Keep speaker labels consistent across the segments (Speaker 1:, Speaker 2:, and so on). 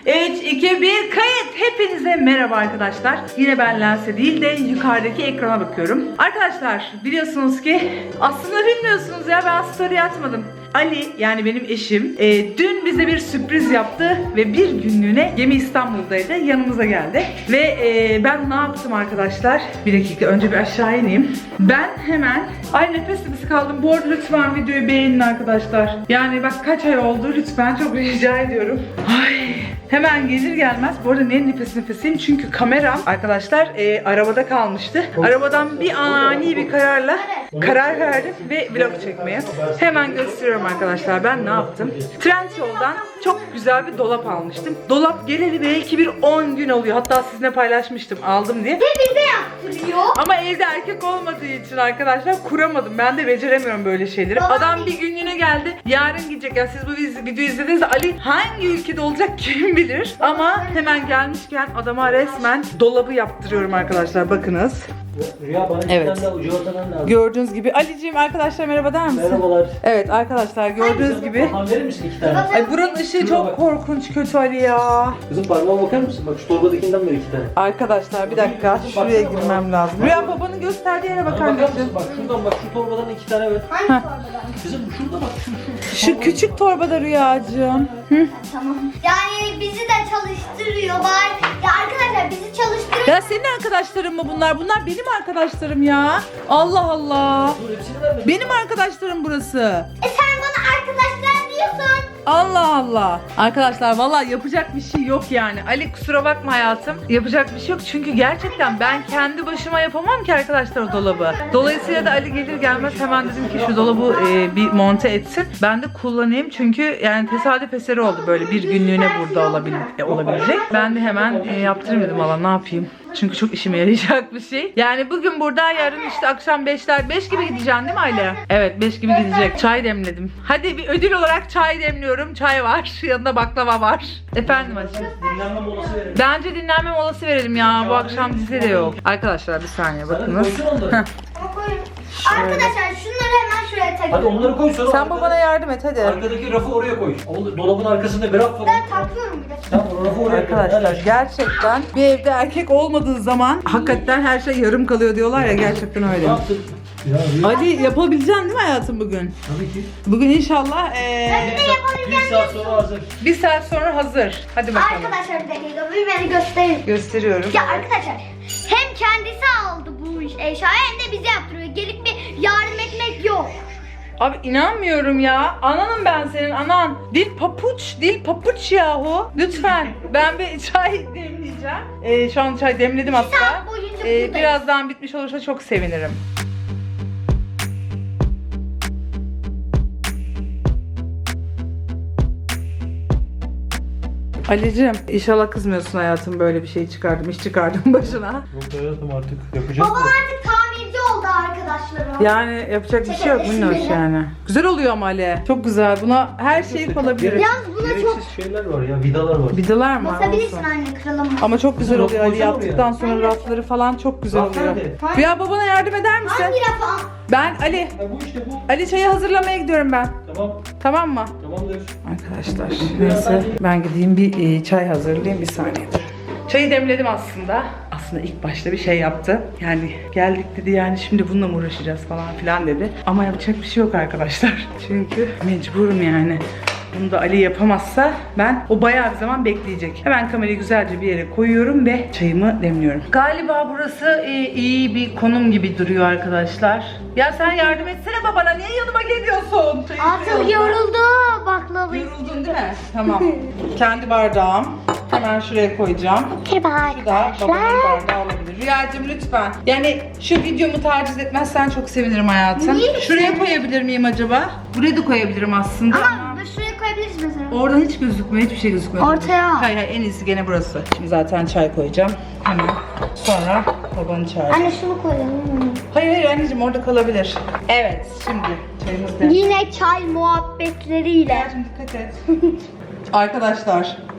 Speaker 1: 3, 2, 1 kayıt. Hepinize merhaba arkadaşlar. Yine ben lense değil de yukarıdaki ekrana bakıyorum. Arkadaşlar biliyorsunuz ki aslında bilmiyorsunuz ya, ben story atmadım. Ali, yani benim eşim, dün bize bir sürpriz yaptı ve bir günlüğüne Gemi İstanbul'daydı, yanımıza geldi. Ve ben ne yaptım arkadaşlar? Bir dakika, önce bir aşağı ineyim. Ben hemen, ay nefes kaldım. Bu arada lütfen videoyu beğenin arkadaşlar. Yani bak kaç ay oldu, lütfen çok rica ediyorum. Ay. Hemen gelir gelmez, bu arada niye nefesiyim? Çünkü kameram arkadaşlar arabada kalmıştı. Arabadan bir ani bir karar verdim ve vlog çekmeye. Hemen gösteriyorum arkadaşlar ben ne yaptım. Trendyol'dan çok güzel bir dolap almıştım. Dolap geleli belki bir 10 gün oluyor. Hatta sizinle paylaşmıştım aldım diye.
Speaker 2: Ve bize yaptırıyor.
Speaker 1: Ama evde erkek olmadığı için arkadaşlar kuramadım. Ben de beceremiyorum böyle şeyleri. Adam bir günlüğüne geldi. Yarın gidecek. Yani siz bu videoyu izlediğinizde Ali hangi ülkede olacak kim bilir. Ama hemen gelmişken adama resmen dolabı yaptırıyorum arkadaşlar. Bakınız.
Speaker 3: Rüya bana
Speaker 1: Evet.
Speaker 3: de ucu ortadan lazım.
Speaker 1: Gördüğünüz gibi. Ali'ciğim arkadaşlar merhaba der misin?
Speaker 3: Merhabalar.
Speaker 1: Evet arkadaşlar gördüğünüz gibi.
Speaker 3: Parmağını verir misin 2 tane?
Speaker 1: Ay buranın ışığı çok korkunç kötü Ali ya.
Speaker 3: Kızım parmağına bakar mısın? Bak şu torbadakinden ver 2 tane.
Speaker 1: Arkadaşlar bir dakika şuraya girmem lazım. Rüya babanın gösterdiği yere bakar
Speaker 3: Bakar
Speaker 1: mısın?
Speaker 3: mısın? Bak şuradan bak şu torbadan 2 tane ver.
Speaker 2: Hangi torbadan?
Speaker 3: Kızım şurada bak
Speaker 1: Şu küçük torbada Rüyacığım. Hı?
Speaker 2: Tamam. Yani bizi de çalıştırıyor bari. Ya arkadaşlar bizi çalıştırıyor.
Speaker 1: Ya senin arkadaşların mı bunlar? Bunlar benim arkadaşlarım ya. Allah Allah.
Speaker 3: Dur hepsini verme.
Speaker 1: Benim arkadaşlarım burası.
Speaker 2: Sen bana arkadaşlar diyorsun.
Speaker 1: Allah Allah. Arkadaşlar vallahi yapacak bir şey yok yani. Ali kusura bakma hayatım. Yapacak bir şey yok. Çünkü gerçekten ben kendi başıma yapamam ki arkadaşlar o dolabı. Dolayısıyla da Ali gelir gelmez hemen dedim ki şu dolabı bir monte etsin. Ben de kullanayım. Çünkü yani tesadüf eseri oldu böyle bir günlüğüne burada olabilecek. Ben de hemen yaptırayım dedim valla ne yapayım. Çünkü çok işime yarayacak bir şey. Yani bugün burada, yarın işte akşam 5 gibi gideceksin değil mi Aile? Evet 5 gibi gidecek. Çay demledim. Hadi bir ödül olarak çay demliyorum. Çay var. Yanında baklava var. Efendim aşkım.
Speaker 3: Dinlenme molası verelim.
Speaker 1: Bence dinlenme molası verelim ya. Bu akşam dizi de yok. Arkadaşlar bir saniye bakınız.
Speaker 3: Koysun onları.
Speaker 2: Ama koyun. Arkadaşlar şunları hemen şuraya takın.
Speaker 3: Hadi onları koy sonra.
Speaker 1: Sen babana yardım et hadi.
Speaker 3: Arkadaki rafı oraya koy. Dolabın arkasında bir raf var.
Speaker 2: Ben takıyorum bir de.
Speaker 3: Tamam o rafı oraya koy.
Speaker 1: Arkadaşlar gerçekten bir evde erkek olmadığı zaman hakikaten her şey yarım kalıyor diyorlar ya, gerçekten öyle.
Speaker 3: Ne yaptın? Ya Rüya.
Speaker 1: Ali yapabileceksin değil mi hayatım bugün?
Speaker 3: Tabii ki.
Speaker 1: Bugün inşallah
Speaker 3: Bir saat sonra hazır.
Speaker 1: bir saat sonra hazır. Hadi bakalım.
Speaker 2: Arkadaşlar bir dakika bir beni gösterin.
Speaker 1: Gösteriyorum.
Speaker 2: Ya arkadaşlar hem kendisi aldı bu eşyayı hem de bize yaptırıyor. Gelip bir yardım etmek yok.
Speaker 1: Abi inanmıyorum ya. Ananım ben senin anan. Dil papuç yahu. Lütfen. Ben bir çay demleyeceğim. Şu an çay demledim hatta.
Speaker 2: saat boyunca buradayız.
Speaker 1: Birazdan bitmiş olursa çok sevinirim. Ali'cim inşallah kızmıyorsun hayatım, böyle bir şey çıkardım, iş çıkardım başına.
Speaker 3: Yok hayatım artık yapacağız.
Speaker 2: Babam artık tamirci oldu arkadaşlarım.
Speaker 1: Yani yapacak bir şey yok minnoş yani. Güzel oluyor ama Ali. Çok güzel. Buna her şey yapılabilir.
Speaker 2: Yalnız buna çok
Speaker 3: Gereksiz şeyler var ya, vidalar var.
Speaker 1: Vidalar mı?
Speaker 2: basabilirsin
Speaker 1: Olsun.
Speaker 2: anne kıralım.
Speaker 1: Ama çok güzel
Speaker 3: Raf
Speaker 1: oluyor Ali,
Speaker 3: koysana
Speaker 1: yaptıktan
Speaker 3: oraya.
Speaker 1: sonra rafları falan çok güzel
Speaker 3: Raf
Speaker 1: oluyor.
Speaker 3: nerede?
Speaker 1: Rüya babana yardım eder misin?
Speaker 2: Hangi rafa?
Speaker 1: Ben Ali.
Speaker 3: Ya bu işte bu.
Speaker 1: Ali çayı hazırlamaya gidiyorum ben.
Speaker 3: Tamam.
Speaker 1: Tamam mı?
Speaker 3: Tamamdır.
Speaker 1: Arkadaşlar neyse ben gideyim bir çay hazırlayayım, bir saniye dur. Çayı demledim aslında. Aslında ilk başta bir şey yaptı. Yani geldik dedi, yani şimdi bununla mı uğraşacağız falan filan dedi. Ama yapacak bir şey yok arkadaşlar. Çünkü mecburum yani. Bunu da Ali yapamazsa o bayağı bir zaman bekleyecek. Hemen kamerayı güzelce bir yere koyuyorum ve çayımı demliyorum. Galiba burası iyi bir konum gibi duruyor arkadaşlar. Ya sen yardım etsene babana, niye yanıma geliyorsun? Çayı
Speaker 2: Artık
Speaker 1: içiyorsun.
Speaker 2: yoruldu baklavayı.
Speaker 1: Yoruldun değil mi? Tamam. Kendi bardağım. Hemen şuraya koyacağım.
Speaker 2: Merhaba
Speaker 1: Bu da babamın bardağı olabilir. Rüyacığım lütfen. Yani şu videomu taciz etmezsen çok sevinirim hayatım.
Speaker 2: Niye?
Speaker 1: Şuraya koyabilir miyim acaba? Buraya da koyabilirim aslında.
Speaker 2: Ama şuraya koyabiliriz mesela.
Speaker 1: Oradan hiç gözükmüyor, hiçbir şey gözükmüyor.
Speaker 2: Ortaya.
Speaker 1: Hayır en iyisi gene burası. Şimdi zaten çay koyacağım. Hemen. Sonra babanı çağıracağım.
Speaker 2: Anne şunu koyalım.
Speaker 1: Hayır anneciğim orada kalabilir. Evet şimdi çayımız da.
Speaker 2: Yine çay muhabbetleriyle.
Speaker 1: Dikkat et. Arkadaşlar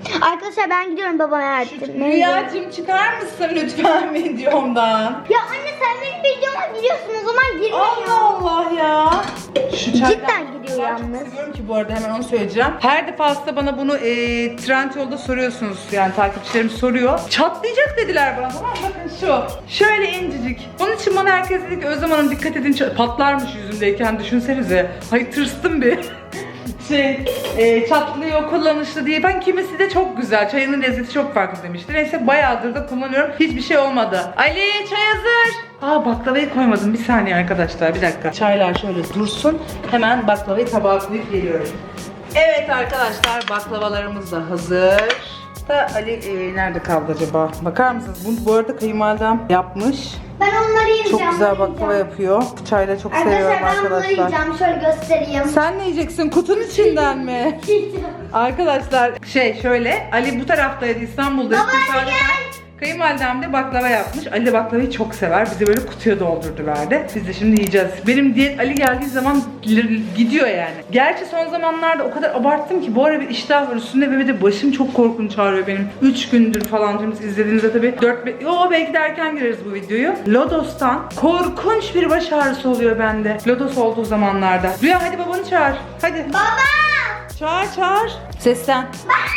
Speaker 2: Arkadaşlar ben gidiyorum babama yardım.
Speaker 1: Rüyacığım çıkar mısın lütfen videomdan?
Speaker 2: Ya anne sen benim videoma giriyorsun o zaman girmiyor.
Speaker 1: Allah Allah ya. Şu çaydan
Speaker 2: Cidden gidiyor
Speaker 1: ben çok
Speaker 2: yalnız.
Speaker 1: seviyorum ki bu arada, hemen onu söyleyeceğim. Her defasında bana bunu Trendyol'da soruyorsunuz, yani takipçilerim soruyor. Çatlayacak dediler bana, tamam mı? Bakın şu. Şöyle incecik. Onun için bana herkes dedi ki Özlem Hanım dikkat edin, patlarmış yüzümdeyken, düşünsenize. Hayır, tırstım bir. Çatlıyor, kullanışlı diye. Ben kimisi de çok güzel, çayının lezzeti çok farklı demişti. Neyse bayağıdır da kullanıyorum. Hiçbir şey olmadı. Ali çay hazır. Baklavayı koymadım. Bir saniye arkadaşlar, bir dakika. Çaylar şöyle dursun. Hemen baklavayı tabağa koyup geliyorum. Evet arkadaşlar, baklavalarımız da hazır. Da Ali nerede kaldı acaba? Bakar mısınız? Bu arada kayınvalidem yapmış.
Speaker 2: Ben onları yiyeceğim.
Speaker 1: Çok güzel baklava yapıyor. Çayla çok seviyorum
Speaker 2: Arkadaşlar ben bunları
Speaker 1: arkadaşlar.
Speaker 2: yiyeceğim. Şöyle göstereyim.
Speaker 1: Sen ne yiyeceksin? Kutunun içinden mi? Arkadaşlar şöyle, Ali bu taraftaydı, İstanbul'da.
Speaker 2: Baba, hadi gel.
Speaker 1: Kayınvalidem de baklava yapmış. Ali de baklavayı çok sever. Bize böyle kutuya doldurdu verdi. Biz de şimdi yiyeceğiz. Benim diyet Ali geldiği zaman gidiyor yani. Gerçi son zamanlarda o kadar abarttım ki bu ara bir iştah var üstünde ve bir de başım çok korkunç ağrıyor benim. 3 gündür falan izlediğinizde tabii 4 belki de erken gireriz bu videoyu. Lodos'tan korkunç bir baş ağrısı oluyor bende. Lodos olduğu zamanlarda. Rüya hadi babanı çağır. Hadi.
Speaker 2: Baba!
Speaker 1: Çağır. Seslen.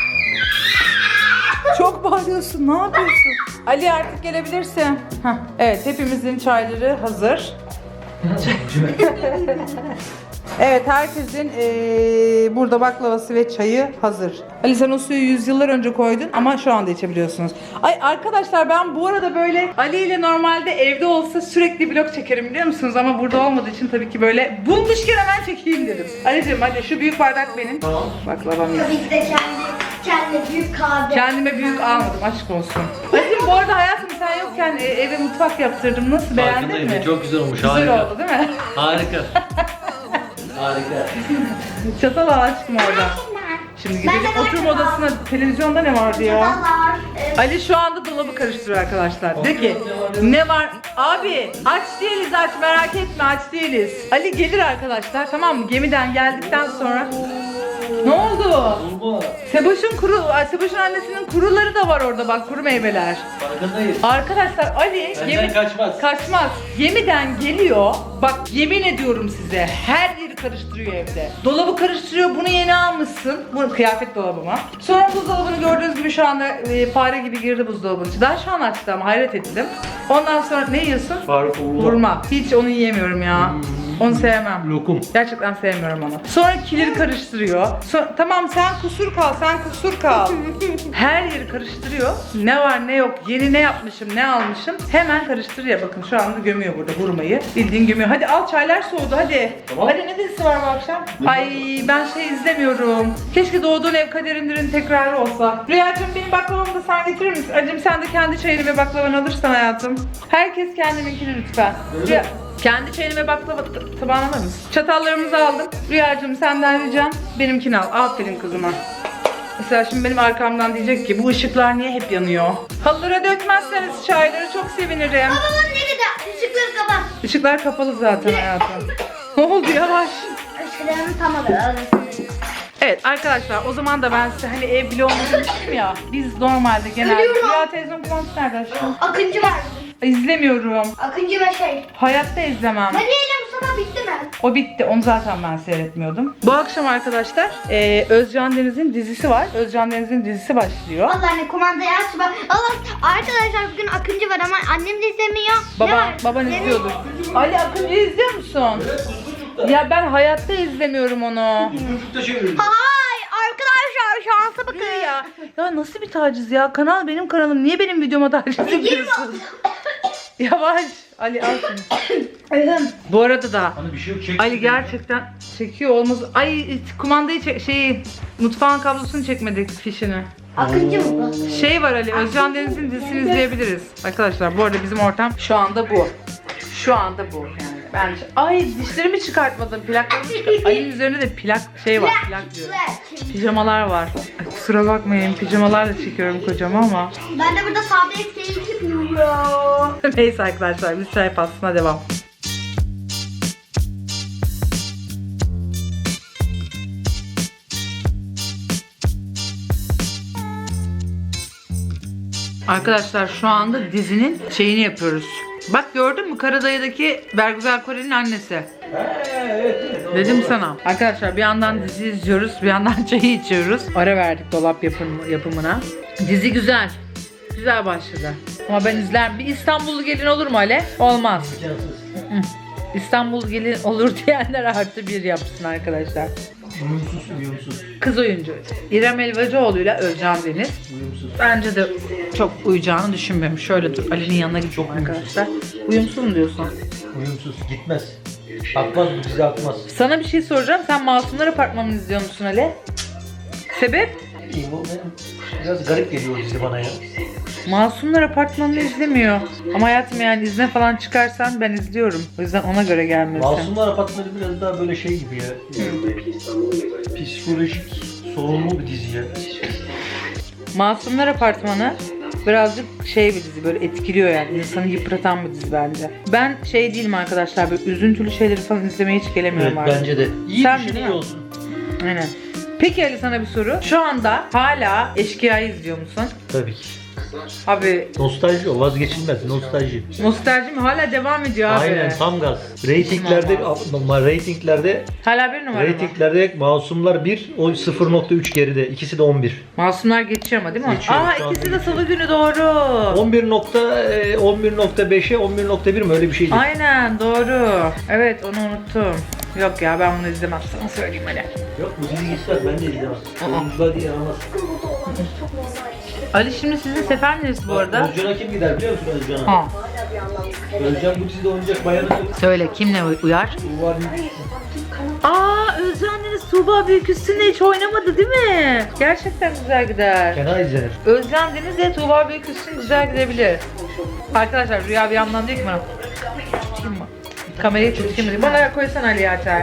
Speaker 1: Çok bağırıyorsun. Ne yapıyorsun? Ali artık gelebilirsin. Heh, evet, hepimizin çayları hazır. Evet, herkesin burada baklavası ve çayı hazır. Ali sen o suyu yüzyıllar önce koydun ama şu anda içebiliyorsunuz. Ay arkadaşlar, ben bu arada böyle Ali ile normalde evde olsa sürekli vlog çekerim biliyor musunuz? Ama burada olmadığı için tabii ki böyle bulmuşken hemen çekeyim dedim. Ali'cim hadi, şu büyük bardak benim.
Speaker 3: Tamam.
Speaker 1: Baklavam yok.
Speaker 2: Tabii ki de kendi büyük kahve.
Speaker 1: Kendime büyük almadım, aşk olsun. Ali'cim bu arada hayatım sen yokken eve mutfak yaptırdım. Nasıl, beğendin
Speaker 3: Farkındayım.
Speaker 1: mi?
Speaker 3: Çok güzel olmuş.
Speaker 1: Güzel
Speaker 3: Harika.
Speaker 1: oldu değil mi?
Speaker 3: Harika. Harika.
Speaker 1: Çatal al aşkım orada. Şimdi gidelim
Speaker 2: Ben de
Speaker 1: oturma
Speaker 2: çatal.
Speaker 1: odasına. Televizyonda ne vardı ya?
Speaker 2: Çatallar.
Speaker 1: Ali şu anda dolabı karıştırıyor arkadaşlar. De ki ne var? Abi aç değiliz, aç, merak etme, aç değiliz. Ali gelir arkadaşlar, tamam mı? Gemiden geldikten sonra. Ne oldu?
Speaker 3: Bulma.
Speaker 1: Seboş'un annesinin kuruları da var orada bak, kuru meyveler.
Speaker 3: Farkındayız.
Speaker 1: Arkadaşlar Ali
Speaker 3: Benden kaçmaz.
Speaker 1: Kaçmaz. Gemiden geliyor. Bak yemin ediyorum size, her yeri karıştırıyor evde. Dolabı karıştırıyor. Bunu yeni almışsın. Bu kıyafet dolabıma. Sonra buzdolabını gördüğünüz gibi şu anda fare gibi girdi buzdolabının içine. Daha şu an açtı ama hayret ettim. Ondan sonra ne yiyorsun?
Speaker 3: Faruk Uğurlu.
Speaker 1: Vurma. Hiç onu yiyemiyorum ya. Onu sevmem.
Speaker 3: Lokum.
Speaker 1: Gerçekten sevmiyorum onu. Sonra kileri karıştırıyor. Tamam sen kusur kal. Her yeri karıştırıyor. Ne var ne yok, yeni ne yapmışım, ne almışım. Hemen karıştırıyor. Bakın şu anda gömüyor burada hurmayı. Bildiğin gömüyor. Hadi al, çaylar soğudu hadi.
Speaker 3: Tamam.
Speaker 1: Hadi, ne dizisi var bu akşam? Ay ben izlemiyorum. Keşke Doğduğun Ev Kaderindir'in tekrarı olsa. Rüyacığım benim baklavamı da sen getirir misin? Acım sen de kendi çayını ve baklavanı alırsan hayatım. Herkes kendininkini lütfen. Rüya, kendi çayını ve baklava tabağını alır mısın? Çatallarımızı aldım. Rüyacığım senden ricam benimkini al. Aferin kızıma. Mesela şimdi benim arkamdan diyecek ki bu ışıklar niye hep yanıyor? Halılara dökmezseniz çayları çok sevinirim.
Speaker 2: Baba nerede? Işıkları kapat.
Speaker 1: Işıklar kapalı zaten hayatım. Ne oldu, yavaş.
Speaker 2: Işıklarını tamam.
Speaker 1: Evet arkadaşlar, o zaman da ben size hani ev vlogunu demiştim ya. Biz normalde genelde...
Speaker 2: Ölüyorum.
Speaker 1: Rüya televizyon kumandası nerede aşkım?
Speaker 2: Akıncı var.
Speaker 1: İzlemiyorum.
Speaker 2: Akıncı ve şey.
Speaker 1: Hayatta izlemem.
Speaker 2: Hadi eyle bu sabah bitti mi?
Speaker 1: O bitti. Onu zaten ben seyretmiyordum. Bu akşam arkadaşlar Özcan Deniz'in dizisi var. Özcan Deniz'in dizisi başlıyor.
Speaker 2: Allah anne kumandayı aç bak. Allah arkadaşlar bugün Akıncı var ama annem de izlemiyor. Ne var?
Speaker 1: Baban
Speaker 2: Ne
Speaker 1: izliyordur.
Speaker 2: var?
Speaker 1: Ali Akıncı izliyor musun?
Speaker 3: Evet, Kuzguncuk'ta.
Speaker 1: Ya ben hayatta izlemiyorum onu.
Speaker 3: Kuzguncuk'ta çevirdim.
Speaker 2: Hay arkadaşlar şansa bakın.
Speaker 1: Ya nasıl bir taciz ya? Kanal benim kanalım. Niye benim videoma taciz yapıyorsun? Yavaş. Ali al şunu. Bu arada da
Speaker 3: Hani bir şey yok. Çek.
Speaker 1: Ali gerçekten çekiyor olmaz. Ay kumandayı mutfağın kablosunu çekmedik, fişini.
Speaker 2: Akıncı mı bu?
Speaker 1: Şey var Ali, Özcan Deniz'in dizisini izleyebiliriz. Arkadaşlar bu arada bizim ortam şu anda bu. Şu anda bu yani. Bence. Ay dişlerimi çıkartmadım. Plaklarımı Ali'nin üzerinde de plak var. Plak diyorum. Pijamalar var. Ay, kusura bakmayın, pijamalarla çekiyorum kocama ama.
Speaker 2: Ben de burada sabit keyif yapıyorum.
Speaker 1: Neyse arkadaşlar, biz çay pastasına devam. Arkadaşlar şu anda dizinin şeyini yapıyoruz. Bak gördün mü? Karadayı'daki Bergüzar Koreli'nin annesi. Dedim sana. Arkadaşlar bir yandan dizi izliyoruz, bir yandan çayı içiyoruz. Ara verdik dolap yapımına. Dizi güzel. Güzel başladı. Ama ben izler. Bir İstanbullu gelin olur mu Ale? Olmaz. İstanbul gelin olur diyenler artı bir yapsın arkadaşlar.
Speaker 3: Uyumsuz.
Speaker 1: Kız oyuncu İrem Elvacıoğlu'yla Özcan Deniz.
Speaker 3: Uyumsuz.
Speaker 1: Bence de çok uyacağını düşünmüyorum. Şöyle dur, Ali'nin yanına gideceğim arkadaşlar. Uyumsuz mu diyorsun?
Speaker 3: Uyumsuz. Gitmez. Akmaz bu dizi, akmaz.
Speaker 1: Sana bir şey soracağım. Sen Masumlar Apartmanı'nı izliyor musun Ali? Sebep?
Speaker 3: Bu biraz garip geliyor dizi bana ya.
Speaker 1: Masumlar Apartmanı'nı izlemiyor. Ama hayatım yani izne falan çıkarsan ben izliyorum. O yüzden ona göre gelmesin.
Speaker 3: Masumlar Apartmanı biraz daha böyle şey gibi ya. Psikolojik sorunlu bir dizi ya.
Speaker 1: Masumlar Apartmanı birazcık şey bir dizi, böyle etkiliyor yani, insanı yıpratan bir dizi bence. Ben şey değilim arkadaşlar, böyle üzüntülü şeyleri falan izlemeye hiç gelemiyorum
Speaker 3: Evet
Speaker 1: artık.
Speaker 3: bence de. İyi
Speaker 1: Sen
Speaker 3: bir
Speaker 1: değil
Speaker 3: şey
Speaker 1: mi?
Speaker 3: olsun.
Speaker 1: Aynen. Peki Ali, sana bir soru. Şu anda hala Eşkıya'yı izliyor musun?
Speaker 3: Tabii ki.
Speaker 1: Abi
Speaker 3: Nostalji o, vazgeçilmez nostalji.
Speaker 1: nostalji mi? Hala devam ediyor abi.
Speaker 3: Aynen tam gaz. Ratinglerde
Speaker 1: Hala bir numara mı?
Speaker 3: Ratinglerde Masumlar 1, o 0.3 geride. İkisi de 11.
Speaker 1: Masumlar geçiyor ama değil mi?
Speaker 3: Geçiyor,
Speaker 1: Aa,
Speaker 3: şu anda
Speaker 1: ikisi de
Speaker 3: geçiyor.
Speaker 1: salı günü, doğru.
Speaker 3: 11.5'e 11.1 mi öyle bir şeydi.
Speaker 1: Aynen doğru. Evet, onu unuttum. Yok ya, ben bunu izlemem, sana söyleyeyim Ali.
Speaker 3: Yok bu dizi gitmez, ben de izlemem. Oyuncular diye aramaz.
Speaker 1: Ali, şimdi sizin sefer neresi bu arada?
Speaker 3: Özcan'a kim gider biliyor musun Özcan'a?
Speaker 1: Ha.
Speaker 3: Özcan bu dizide oynayacak bayanı
Speaker 1: Söyle, kimle uyar?
Speaker 3: var.
Speaker 1: Aa, Özcan Deniz Tuğba Büyüküstü'nde hiç oynamadı değil mi? Gerçekten güzel gider.
Speaker 3: Fena izlenir.
Speaker 1: Özcan Deniz ile Tuğba Büyüküstü güzel gidebilir. Arkadaşlar Rüya bir yandan diyor ki bana, tutayım mı? Kamerayı tutayım mı diyor. Bana koysan Ali Açar.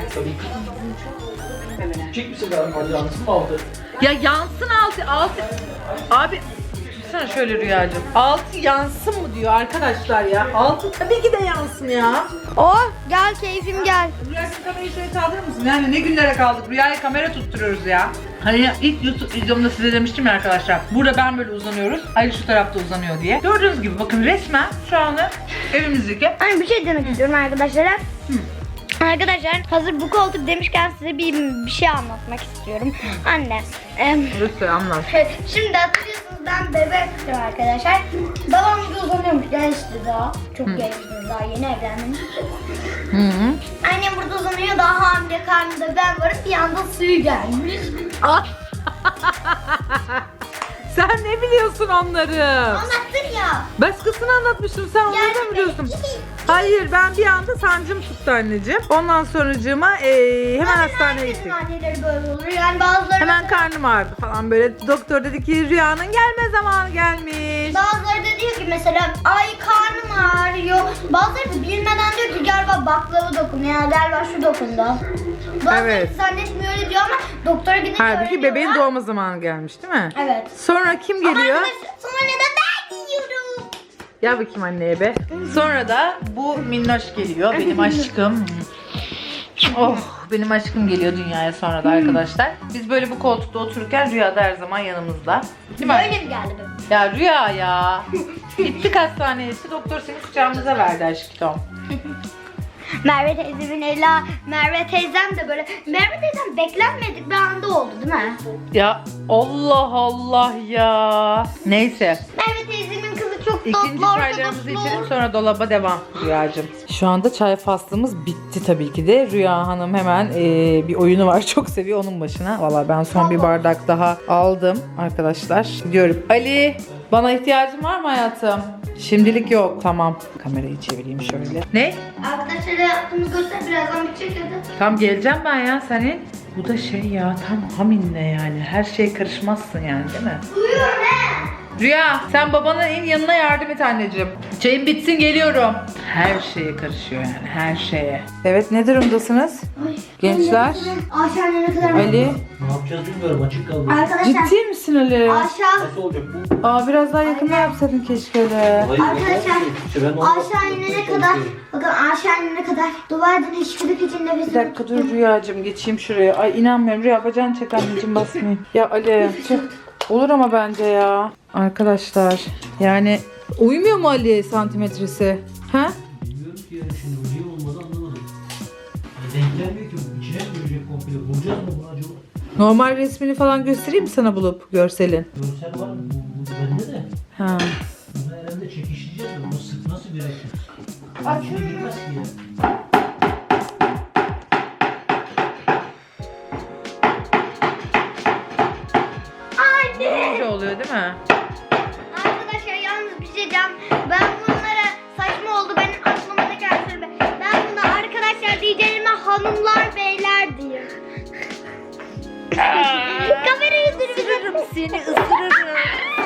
Speaker 3: Çek misin ben? Hadi yansın mı aldı?
Speaker 1: Ya yansın altı. Abi tutsana şöyle Rüyacığım. Altı yansın mı diyor arkadaşlar ya. Altı tabii ki de yansın ya.
Speaker 2: Oh gel keyfim gel.
Speaker 1: Rüyacığım, kamerayı şöyle kaldırır mısın? Yani ne günlere kaldık. Rüyaya kamera tutturuyoruz ya. Hani ilk YouTube videomda size demiştim ya arkadaşlar. Burada ben böyle uzanıyoruz. Ali şu tarafta uzanıyor diye. Gördüğünüz gibi bakın resmen şu anda evimizdeki.
Speaker 2: Hani bir şey demek istiyorum arkadaşlar. Arkadaşlar hazır bu koltuk demişken size bir şey anlatmak istiyorum. Anne.
Speaker 1: Lütfen anlat.
Speaker 2: Şimdi hatırlıyorsunuz ben bebektim arkadaşlar. Babam da uzanıyormuş gençti daha. Çok gençti daha yeni evlendim.
Speaker 1: Hı hı.
Speaker 2: Annem burada uzanıyor, daha hamile karnında ben varım, bir anda suyu gelmiş.
Speaker 1: Sen ne biliyorsun onları?
Speaker 2: Anlattın ya.
Speaker 1: Başkasına anlatmıştım, sen onları da mı biliyorsun? Hayır, ben bir anda sancım tuttu anneciğim. Ondan sonracığıma hemen hastaneye gittik.
Speaker 2: Anneleri böyle olur yani bazıları.
Speaker 1: Hemen karnım ağrıdı falan böyle. Doktor dedi ki Rüya'nın gelme zamanı gelmiş.
Speaker 2: Bazıları da diyor ki mesela ay karnım ağrıyor. Bazıları da bilmeden diyor ki galiba baklava dokundu ya galiba şu dokundu. Bazıları
Speaker 1: Evet.
Speaker 2: zannetmiyor öyle diyor ama doktora gidince
Speaker 1: Halbuki bebeğin
Speaker 2: öğreniyorlar.
Speaker 1: doğma zamanı gelmiş değil mi?
Speaker 2: Evet.
Speaker 1: Sonra kim
Speaker 2: Ama
Speaker 1: geliyor?
Speaker 2: arkadaşlar sonra neden ben yiyorum?
Speaker 1: Gel bakayım anneye be. Sonra da bu minnoş geliyor, benim aşkım. Oh, benim aşkım geliyor dünyaya sonra da arkadaşlar. Biz böyle bu koltukta otururken Rüya da her zaman yanımızda. Değil mi?
Speaker 2: Öyle mi geldi benim?
Speaker 1: Ya Rüya ya. Gittik hastaneye, doktor seni kucağımıza verdi aşkım.
Speaker 2: Merve teyzemin Merve teyzem de böyle. Merve teyzem beklenmedik bir anda oldu değil mi?
Speaker 1: Ya Allah Allah ya. Neyse.
Speaker 2: Merve teyzemin kızı çok tatlı
Speaker 1: İkinci çaylarımızı içelim, sonra dolaba devam Rüyacığım. Şu anda çay faslımız bitti tabii ki de. Rüya Hanım hemen bir oyunu var, çok seviyor, onun başına. Valla ben son bir bardak daha aldım arkadaşlar. Gidiyorum. Ali, bana ihtiyacın var mı hayatım? Şimdilik yok. Tamam. Kamerayı çevireyim şöyle. Ne?
Speaker 2: Arkadaşlara yaptığımı göster, birazdan bitecek ya da.
Speaker 1: Tam geleceğim ben ya senin. Bu da şey ya, tam haminle yani. Her şeye karışmazsın yani, değil mi?
Speaker 2: Duyuyor ne?
Speaker 1: Rüya, sen babanın en yanına yardım et anneciğim. Çayım bitsin, geliyorum. Her şeye karışıyor yani, her şeye. Evet, ne durumdasınız?
Speaker 2: Ay,
Speaker 1: Gençler.
Speaker 2: Aşağı ne kadar?
Speaker 1: Ali.
Speaker 3: Ne yapacağız bilmiyorum, açık kaldı.
Speaker 2: Arkadaşlar.
Speaker 1: Ciddi misin Ali?
Speaker 2: Aşağı.
Speaker 3: Nasıl olacak bu?
Speaker 1: Aa, biraz daha yakında yapsaydın keşke de.
Speaker 3: Hayır,
Speaker 2: Arkadaşlar,
Speaker 3: ben
Speaker 2: aşağı inene kadar, bakın aşağı inene kadar duvardan hiçbir için nefes.
Speaker 1: Bir dakika dur Rüyacığım, geçeyim şuraya. Ay inanmıyorum Rüya, bacağını çek anneciğim, basmayayım. Ya Ali, çık. Olur ama bence ya. Arkadaşlar yani uymuyor mu Ali santimetresi? Ha?
Speaker 3: Bilmiyorum ki yani şimdi bu niye olmadı anlamadım. Denk gelmiyor ki bu. İçine mi girecek komple? Bulacağız mı bunu acaba?
Speaker 1: Normal resmini falan göstereyim mi sana bulup görselin?
Speaker 3: Görsel var mı? Bu bende de.
Speaker 1: Ha.
Speaker 3: Bunu herhalde çekişleyeceğiz de bunu sık nasıl gerekir?
Speaker 2: Açıyorum.
Speaker 3: Girmez ki ya.
Speaker 1: Böyle oluyor değil mi?
Speaker 2: Arkadaşlar yalnız bir şey diyeceğim. Ben bunlara saçma oldu. Benim aklıma ne geldi? Ben buna arkadaşlar diyeceğime hanımlar beyler diyor. Kamerayı
Speaker 1: Isırırım seni, ısırırım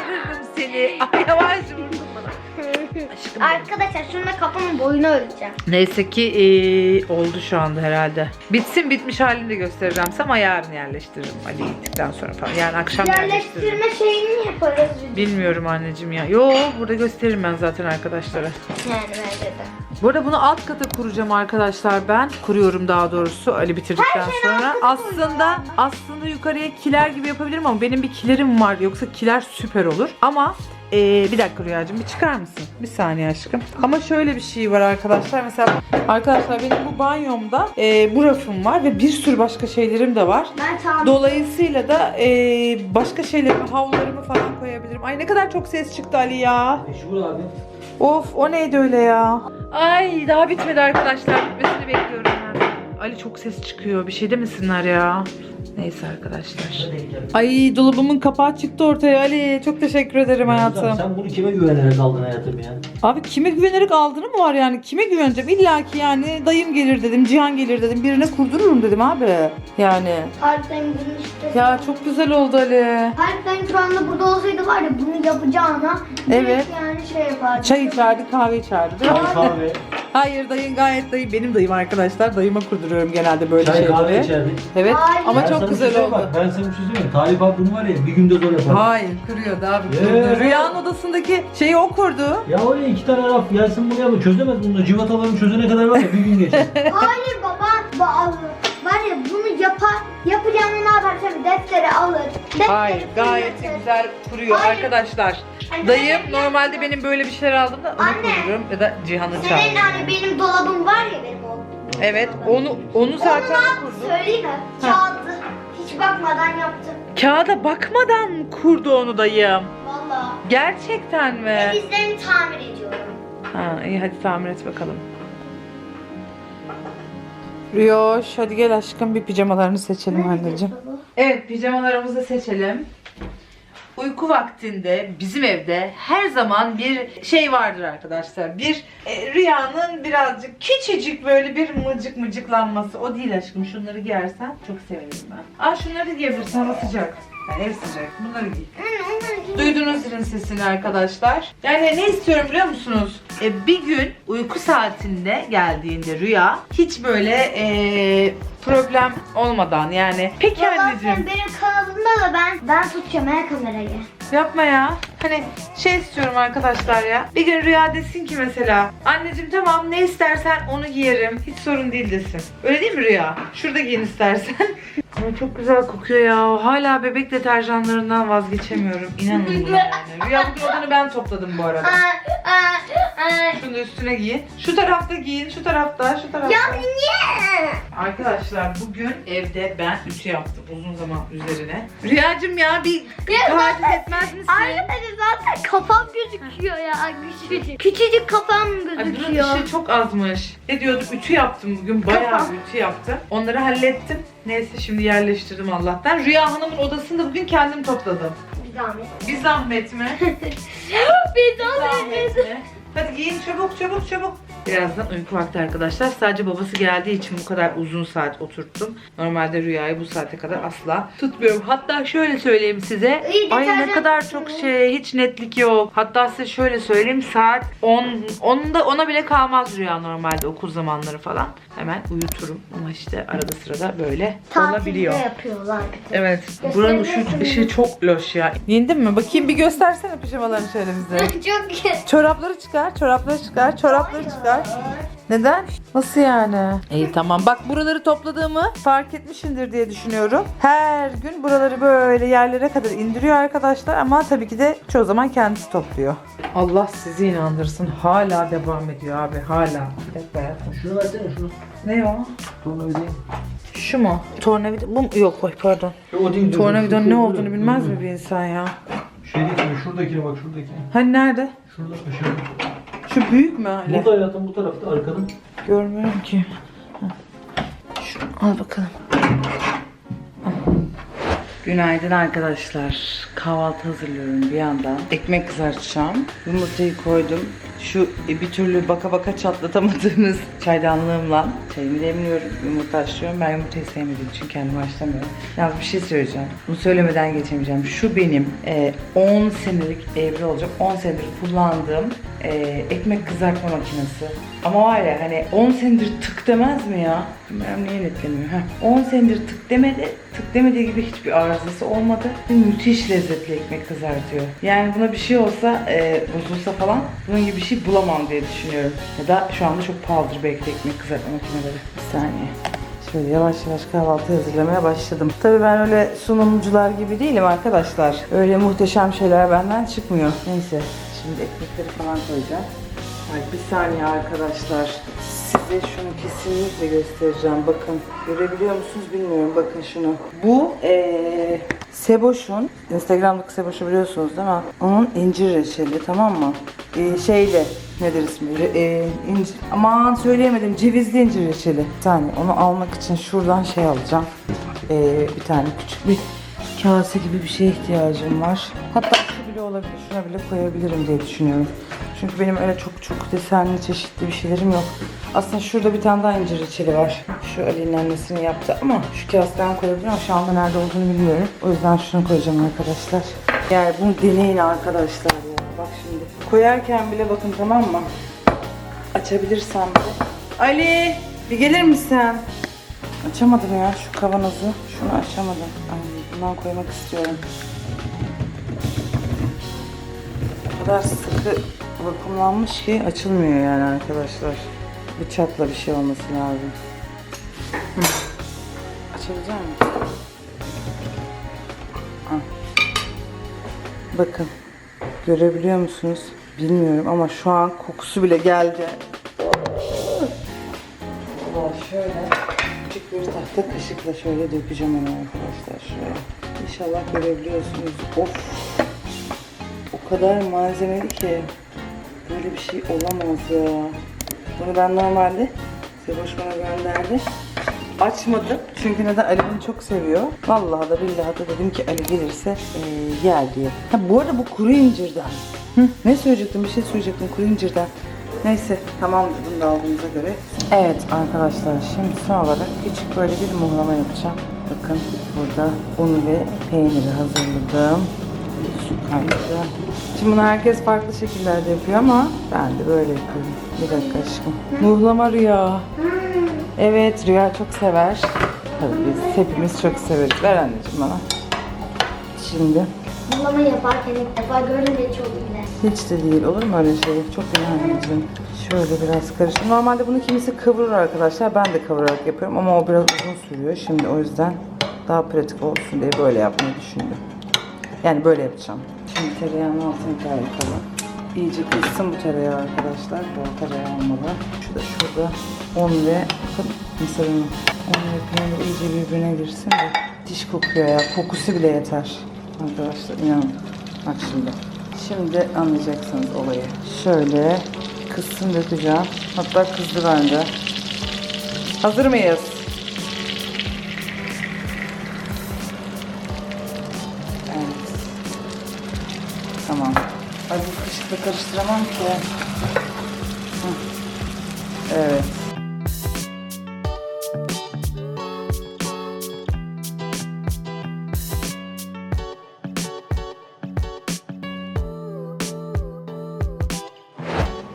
Speaker 1: seni. Ay yavaş vurdun bana. Aşkım.
Speaker 2: Arkadaşlar şununla kafamın boyunu ölçeceğim.
Speaker 1: Neyse ki oldu şu anda herhalde. Bitsin bitmiş halini de göstereceğim size ama yarın yerleştiririm Ali gittikten sonra falan. Yani akşam yerleştiririm.
Speaker 2: Yerleştirme şeyini yaparız.
Speaker 1: Bilmiyorum anneciğim ya. Yo burada gösteririm ben zaten arkadaşlara.
Speaker 2: Yani bence de.
Speaker 1: Bu arada bunu alt kata kuracağım arkadaşlar ben. Kuruyorum daha doğrusu Ali bitirdikten sonra. Aslında yukarıya kiler gibi yapabilirim ama benim bir kilerim var. Yoksa kiler süper olur. Ama bir dakika Rüyacığım bir çıkar mısın? Bir saniye aşkım. Ama şöyle bir şey var arkadaşlar. Mesela arkadaşlar benim bu banyomda bu rafım var ve bir sürü başka şeylerim de var.
Speaker 2: Ben tamam.
Speaker 1: Dolayısıyla da başka şeylerimi, havlularımı falan koyabilirim. Ay ne kadar çok ses çıktı Ali ya.
Speaker 3: Meşhur abi.
Speaker 1: Of o neydi öyle ya? Ay daha bitmedi arkadaşlar. Bitmesini bekliyorum ben. Ali çok ses çıkıyor. Bir şey demesinler ya. Neyse arkadaşlar. Ay dolabımın kapağı çıktı ortaya Ali. Çok teşekkür ederim hayatım.
Speaker 3: Sen bunu kime güvenerek aldın hayatım ya?
Speaker 1: Abi kime güvenerek aldığını mı var yani? Kime güveneceğim? İlla ki yani dayım gelir dedim, Cihan gelir dedim. Birine kurdururum dedim abi. Yani.
Speaker 2: Harbiden bunu işte.
Speaker 1: Ya çok güzel oldu Ali.
Speaker 2: Harbiden şu anda burada olsaydı var ya bunu yapacağına.
Speaker 1: Evet.
Speaker 2: direkt Yani şey yapardı.
Speaker 1: Çay içerdi, kahve içerdi değil mi?
Speaker 3: Çay kahve.
Speaker 1: Hayır dayın gayet dayım. Benim dayım arkadaşlar. Dayıma kurduruyorum genelde böyle
Speaker 3: Çay kahve
Speaker 1: şeyleri.
Speaker 3: içerdik.
Speaker 1: Evet
Speaker 2: Hayır.
Speaker 1: ama
Speaker 3: Ben
Speaker 1: çok
Speaker 3: sana bir
Speaker 1: güzel
Speaker 3: şey
Speaker 1: oldu.
Speaker 3: bak, ben sana bir şey söyleyeyim. Talip abi bunu var ya bir günde zor yapar.
Speaker 1: Hayır kuruyordu abi kurdu. Rüyanın odasındaki şeyi o kurdu.
Speaker 3: Ya oraya 2 tane raf gelsin buraya mı çözemez bunu da civatalarını çözene kadar var ya bir gün geçer.
Speaker 2: Hayır baba. Var ya bunu yapacağını ne yapar? Tabii defteri alır.
Speaker 1: Hayır gayet güzel kuruyor
Speaker 2: Hayır.
Speaker 1: arkadaşlar.
Speaker 2: Anne,
Speaker 1: Dayım
Speaker 2: ben-
Speaker 1: normalde benim böyle bir şeyler aldığımda onu
Speaker 2: Anne.
Speaker 1: kururum ya da Cihan'ı
Speaker 2: Senin
Speaker 1: çağırırım.
Speaker 2: hani benim dolabım var ya benim o.
Speaker 1: Evet onu zaten
Speaker 2: Onu ne yaptı
Speaker 1: kurdu.
Speaker 2: söyleyeyim mi?
Speaker 1: Ha.
Speaker 2: Kağıdı hiç bakmadan yaptım.
Speaker 1: Kağıda bakmadan kurdu onu dayım.
Speaker 2: Valla.
Speaker 1: Gerçekten mi?
Speaker 2: Denizlerini tamir ediyorum.
Speaker 1: Ha iyi hadi tamir et bakalım. Rüyoş hadi gel aşkım bir pijamalarını seçelim anneciğim. Evet pijamalarımızı seçelim. Uyku vaktinde bizim evde her zaman bir şey vardır arkadaşlar. Bir Rüyanın birazcık küçücük böyle bir mıcıklanması. O değil aşkım şunları giyersen çok sevinirim ben. Aa şunları da giyebilirsin hava sıcak. Yani ev sıcak. Bunları giy. Duydunuz zilin sesini arkadaşlar. Yani ne istiyorum biliyor musunuz? Bir gün uyku saatinde geldiğinde Rüya hiç böyle problem olmadan yani. Peki
Speaker 2: Valla
Speaker 1: anneciğim.
Speaker 2: sen benim kanalımda da ben tutacağım her kamerayı.
Speaker 1: Yapma ya. Hani şey istiyorum arkadaşlar ya. Bir gün Rüya desin ki mesela anneciğim tamam ne istersen onu giyerim. Hiç sorun değil desin. Öyle değil mi Rüya? Şurada giyin istersen. Ama çok güzel kokuyor ya. Hala bebek deterjanlarından vazgeçemiyorum. İnanın buna yani. Rüya bugün odanı ben topladım bu arada. Şunu da üstüne giyin. Şu tarafta giyin. Şu tarafta.
Speaker 2: Ya niye?
Speaker 1: Arkadaşlar bugün evde ben ütü yaptım uzun zaman üzerine. Rüyacığım ya bir
Speaker 2: Ya
Speaker 1: taciz
Speaker 2: zaten-
Speaker 1: etmez misin?
Speaker 2: Arkadaşlar zaten kafam gözüküyor ya. Küçücük. Küçücük kafam
Speaker 1: Ay bunun
Speaker 2: gözüküyor.
Speaker 1: işi çok azmış. Ne diyorduk? Ütü yaptım bugün. Bayağı
Speaker 2: Kafam.
Speaker 1: ütü yaptım. Onları hallettim. Neyse şimdi yerleştirdim Allah'tan. Rüya Hanım'ın odasını da bugün kendim topladım.
Speaker 2: Bir zahmet.
Speaker 1: Bir zahmet mi?
Speaker 2: Bir
Speaker 1: Zahmet mi? Hadi giyin çabuk. Birazdan uyku vakti arkadaşlar. Sadece babası geldiği için bu kadar uzun saat oturttum. Normalde Rüya'yı bu saate kadar asla tutmuyorum. Hatta şöyle söyleyeyim size.
Speaker 2: İyi,
Speaker 1: Ay ne
Speaker 2: deterjan
Speaker 1: kadar
Speaker 2: tutsun.
Speaker 1: çok hiç netlik yok. Hatta size şöyle söyleyeyim. Saat 10'da bile kalmaz Rüya normalde okul zamanları falan. Hemen uyuturum. Ama işte arada sırada böyle olabiliyor.
Speaker 2: Tatilde yapıyorlar.
Speaker 1: Evet. Buranın ışığı çok loş ya. Giyindin mi? Bakayım bir göstersene pijamalarını şöyle bize.
Speaker 2: Çok iyi.
Speaker 1: Çorapları çıkar. var? Neden? Nasıl yani? İyi tamam. Bak buraları topladığımı fark etmişsindir diye düşünüyorum. Her gün buraları böyle yerlere kadar indiriyor arkadaşlar ama tabii ki de çoğu zaman kendisi topluyor. Allah sizi inandırsın. Hala devam ediyor abi. Hala. Bir dakika hayatım.
Speaker 3: Şunu versene şunu.
Speaker 1: Ne o?
Speaker 3: Tornavidayı.
Speaker 1: Şu mu? Tornavida bu mu? Yok oy pardon.
Speaker 3: O değil.
Speaker 1: Tornavidanın ne olduğunu bilmez mi bir insan ya?
Speaker 3: Şey değil mi? Şuradakine bak şuradaki.
Speaker 1: Hani nerede?
Speaker 3: Şurada aşağıda.
Speaker 1: Şu büyük mü hala?
Speaker 3: Burada hayatım bu tarafta arkadan.
Speaker 1: Görmüyorum ki. Şunu al bakalım. Günaydın arkadaşlar. Kahvaltı hazırlıyorum bir yandan. Ekmek kızartacağım. Yumurtayı koydum. Şu bir türlü baka baka çatlatamadığınız çaydanlığımla çayımı demliyorum. Yumurta haşlıyorum. Ben yumurtayı sevmediğim için kendim haşlamıyorum. Ya bir şey söyleyeceğim. Bunu söylemeden geçemeyeceğim. Şu benim 10 senelik evli olacak. 10 senedir kullandığım ekmek kızartma makinesi. Ama var ya hani 10 senedir tık demez mi ya? Bilmiyorum niye netlemiyor. 10 senedir tık demedi. Tık demediği gibi hiçbir arızası olmadı. Müthiş lezzetli ekmek kızartıyor. Yani buna bir şey olsa bozulsa falan bunun gibi bir şey bulamam diye düşünüyorum. Ya da şu anda çok pahalıdır belki de ekmek kızartma makineleri. Bir saniye. Şöyle yavaş yavaş kahvaltı hazırlamaya başladım. Tabii ben öyle sunumcular gibi değilim arkadaşlar. Öyle muhteşem şeyler benden çıkmıyor. Neyse şimdi ekmekleri falan koyacağım. Ay bir saniye arkadaşlar. Size şunu kesinlikle göstereceğim. Bakın görebiliyor musunuz bilmiyorum. Bakın şunu. Bu Seboş'un, Instagram'daki Seboş'u biliyorsunuz değil mi? Onun incir reçeli, tamam mı? Şeyle nedir ismi? İncir. Aman söyleyemedim. Cevizli incir reçeli. Bir saniye onu almak için şuradan şey alacağım. Bir tane küçük bir kase gibi bir şeye ihtiyacım var. Hatta şu bile olabilir. Şuna bile koyabilirim diye düşünüyorum. Çünkü benim öyle çok desenli çeşitli bir şeylerim yok. Aslında şurada bir tane daha incir reçeli var. Şu Ali'nin annesini yaptı ama şu kaseden koyabilirim ama şu anda nerede olduğunu bilmiyorum. O yüzden şunu koyacağım arkadaşlar. Yani bunu deneyin arkadaşlar ya. Bak şimdi koyarken bile bakın, tamam mı? Açabilirsem de. Ali bir gelir misin? Açamadım ya şu kavanozu. Şunu açamadım. Ay, bundan koymak istiyorum. O kadar sıkı vakumlanmış ki açılmıyor yani arkadaşlar. Bıçakla bir şey olması lazım. Açabilecek miyim? Bakın. Görebiliyor musunuz? Bilmiyorum ama şu an kokusu bile geldi. Şöyle küçük bir tahta kaşıkla şöyle dökeceğim onu arkadaşlar. Şöyle. İnşallah görebiliyorsunuz. Of. O kadar malzemeli ki. Böyle bir şey olamaz ya. Bunu ben normalde Seboş bana gönderdi. Açmadım. Çünkü neden? Ali bunu çok seviyor. Vallahi da billahi da dedim ki Ali gelirse yer diye. Ha, bu arada bu kuru incirden. Ne söyleyecektim? Bir şey söyleyecektim kuru incirden. Neyse tamamdır bunu da aldığımıza göre. Evet arkadaşlar şimdi son olarak küçük böyle bir muhlama yapacağım. Bakın burada un ve peyniri hazırladım. Su kaynağı. Şimdi bunu herkes farklı şekillerde yapıyor ama ben de böyle yapıyorum. Bir dakika aşkım. Muhlama Rüya. Evet Rüya çok sever. Tabii biz hepimiz çok severiz. Ver anneciğim bana. Şimdi.
Speaker 2: Muhlama yaparken ilk defa gördüm de çok bile.
Speaker 1: Hiç de değil, olur mu öyle şey? Çok iyi anneciğim. Şöyle biraz karıştır. Normalde bunu kimisi kıvırır arkadaşlar. Ben de kavurarak yapıyorum ama o biraz uzun sürüyor. Şimdi o yüzden daha pratik olsun diye böyle yapmayı düşündüm. Yani böyle yapacağım. Şimdi tereyağının altını kayakalım. İyice kızsın bu tereyağı arkadaşlar. Bol tereyağı olmalı. Şu da şurada un ve mısır unu. Un ve peynir iyice birbirine girsin de diş kokuyor ya. Kokusu bile yeter. Arkadaşlar inanın. Bak şimdi. Şimdi anlayacaksınız olayı. Şöyle kızsın dökeceğim. Hatta kızdı bende. Hazır mıyız? Evet. Tamam. Ay bu kaşıkla karıştıramam ki. Evet.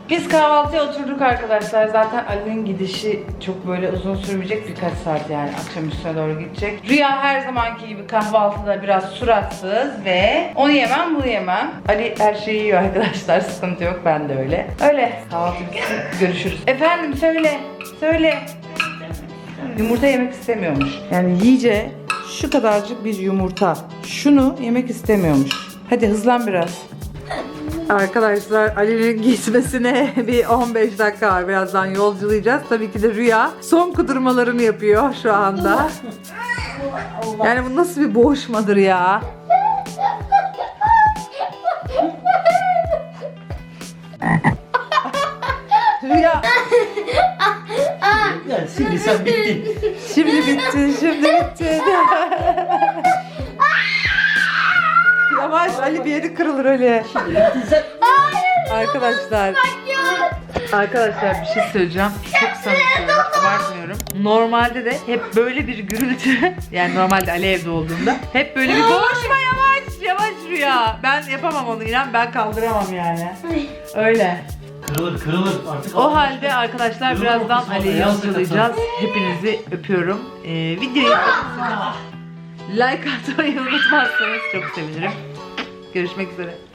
Speaker 1: Biz kahvaltıya oturduk arkadaşlar. Zaten Ali'nin gidişi çok böyle uzun sürmeyecek, birkaç saat yani akşam üstüne doğru gidecek. Rüya her zamanki gibi kahvaltıda biraz suratsız ve onu yemem bunu yemem. Ali her şeyi yiyor arkadaşlar, sıkıntı yok, ben de öyle. Öyle kahvaltı bitsin, görüşürüz. Efendim söyle. Yumurta yemek istemiyormuş. Yani yiyece şu kadarcık bir yumurta. Şunu yemek istemiyormuş. Hadi hızlan biraz. Arkadaşlar Ali'nin gitmesine bir 15 dakika var. Birazdan yolculayacağız. Tabii ki de Rüya son kudurmalarını yapıyor şu anda. Yani bu nasıl bir boğuşmadır ya? Rüya
Speaker 3: Yani şimdi sen bittin.
Speaker 1: şimdi bitti. Yavaş Ali, bir yeri kırılır öyle. Arkadaşlar bir şey söyleyeceğim. Çok samimi söylüyorum, abartmıyorum. Normalde de hep böyle bir gürültü, yani normalde Ali evde olduğunda hep böyle bir boğuşma, yavaş Rüya. Ben yapamam onu, inan, ben kaldıramam yani. Öyle.
Speaker 3: Kırılır artık.
Speaker 1: O halde arkadaşlar birazdan Ali'yi yolculayacağız. Hepinizi öpüyorum. Videoyu like atmayı unutmazsanız çok sevinirim. Görüşmek üzere.